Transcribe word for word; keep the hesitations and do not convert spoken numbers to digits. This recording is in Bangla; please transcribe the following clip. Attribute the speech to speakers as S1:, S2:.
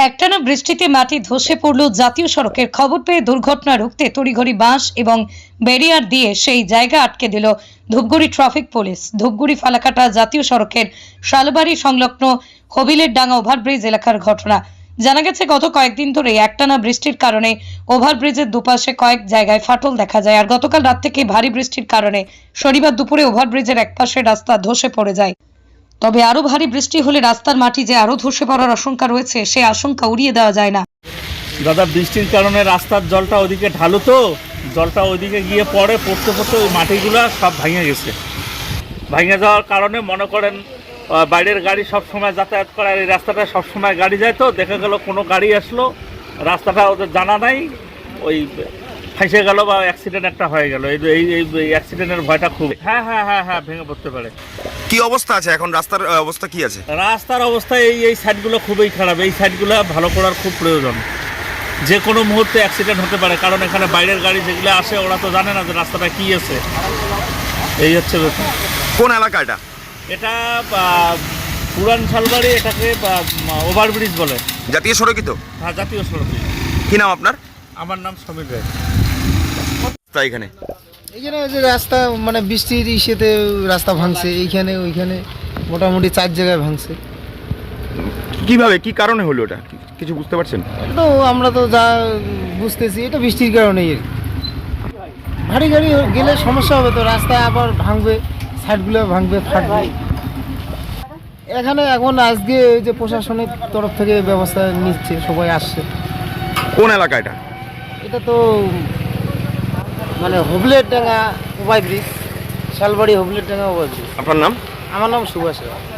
S1: একটানা বৃষ্টিতে মাটি ধসে পড়ল জাতীয় সড়কের। খবর পেয়ে দুর্ঘটনা রুখতে তড়িঘড়ি বাঁশ এবং ব্যারিয়ার দিয়ে সেই জায়গা আটকে দিল ধূপগুড়ি ট্রাফিক পুলিশ। ধূপগুড়ি ফালাকাটা জাতীয় সড়কের শালবাড়ি সংলগ্ন হবিলের ডাঙ্গা ওভারব্রিজ এলাকার ঘটনা। জানা গেছে গত কয়েকদিন ধরে একটানা বৃষ্টির কারণে ওভারব্রিজের দুপাশে কয়েক জায়গায় ফাটল দেখা যায়। আর গতকাল রাত থেকে ভারী বৃষ্টির কারণে শনিবার দুপুরে ওভারব্রিজের একপাশে রাস্তা ধসে পড়ে যায়। তবে আরো ভারী বৃষ্টি হলে রাস্তার মাটি যে আরো ধসে পড়ার আশঙ্কা রয়েছে, সে আশঙ্কা উড়িয়ে দেওয়া যায় না।
S2: দাদা, বৃষ্টির কারণে রাস্তার জলটা ওইদিকে ঢালু, তো জলটা ওইদিকে গিয়ে পড়ে, পড়তে পড়তে ওই মাটিগুলো সব ভেঙে গেছে। ভেঙে যাওয়ার কারণে মনে করেন বাইরের গাড়ি সব সময় যাতায়াত করে, আর এই রাস্তাটা সব সময় গাড়ি যায়, তো দেখা গেল কোনো গাড়ি আসলো, রাস্তাটা ওদের জানা নাই, ওই ফাঁসে গেল বা অ্যাক্সিডেন্ট একটা হয়ে গেল। এই এই অ্যাক্সিডেন্টের ভয়টা খুব। হ্যাঁ হ্যাঁ হ্যাঁ হ্যাঁ ভেঙে পড়তে পারে।
S3: কি অবস্থা আছে এখন? রাস্তার অবস্থা কি আছে?
S2: রাস্তার অবস্থা এই এই সাইডগুলো খুবই খারাপ। এই সাইডগুলো ভালো করার খুব প্রয়োজন। যে কোনো মুহূর্তে অ্যাক্সিডেন্ট হতে পারে, কারণ এখানে বাইরের গাড়ি যেগুলো আসে ওরা তো জানে না যে রাস্তাটা কি আছে। এই হচ্ছে ব্যাপার।
S3: কোন এলাকা এটা?
S2: এটা পুরান শালবাড়ি, এটাকে ওভারব্রিজ বলে।
S3: জাতীয় সড়কই তো?
S2: হ্যাঁ, জাতীয় সড়ক।
S3: কি নাম আপনার?
S2: আমার নাম সমীর রায়।
S3: তাই এখানে
S4: এইখানে ওই যে রাস্তা মানে বৃষ্টির ইসেতে রাস্তা ভাঙছে, এইখানে ওইখানে মোটামুটি চার জায়গায় ভাঙছে।
S3: কিভাবে, কি কারণে হলো এটা কিছু বুঝতে পারছেন?
S4: তো আমরা তো যা বুঝতেছি এটা বৃষ্টির কারণেই। ভারী গাড়ি গেলে সমস্যা হবে, তো রাস্তায় আবার ভাঙবে, সাইডগুলো ভাঙবে, ফাটবে। এখানে এখন আজকে ওই যে প্রশাসনের তরফ থেকে ব্যবস্থা নিচ্ছে, সবাই আসছে।
S3: কোন এলাকা এটা?
S4: এটা তো মানে হবলের ডাঙ্গা ওভারব্রিজ, শালবাড়ি হবলের ডাঙ্গা ওভারব্রিজ।
S3: আপনার নাম?
S4: আমার নাম সুভাষ রায়।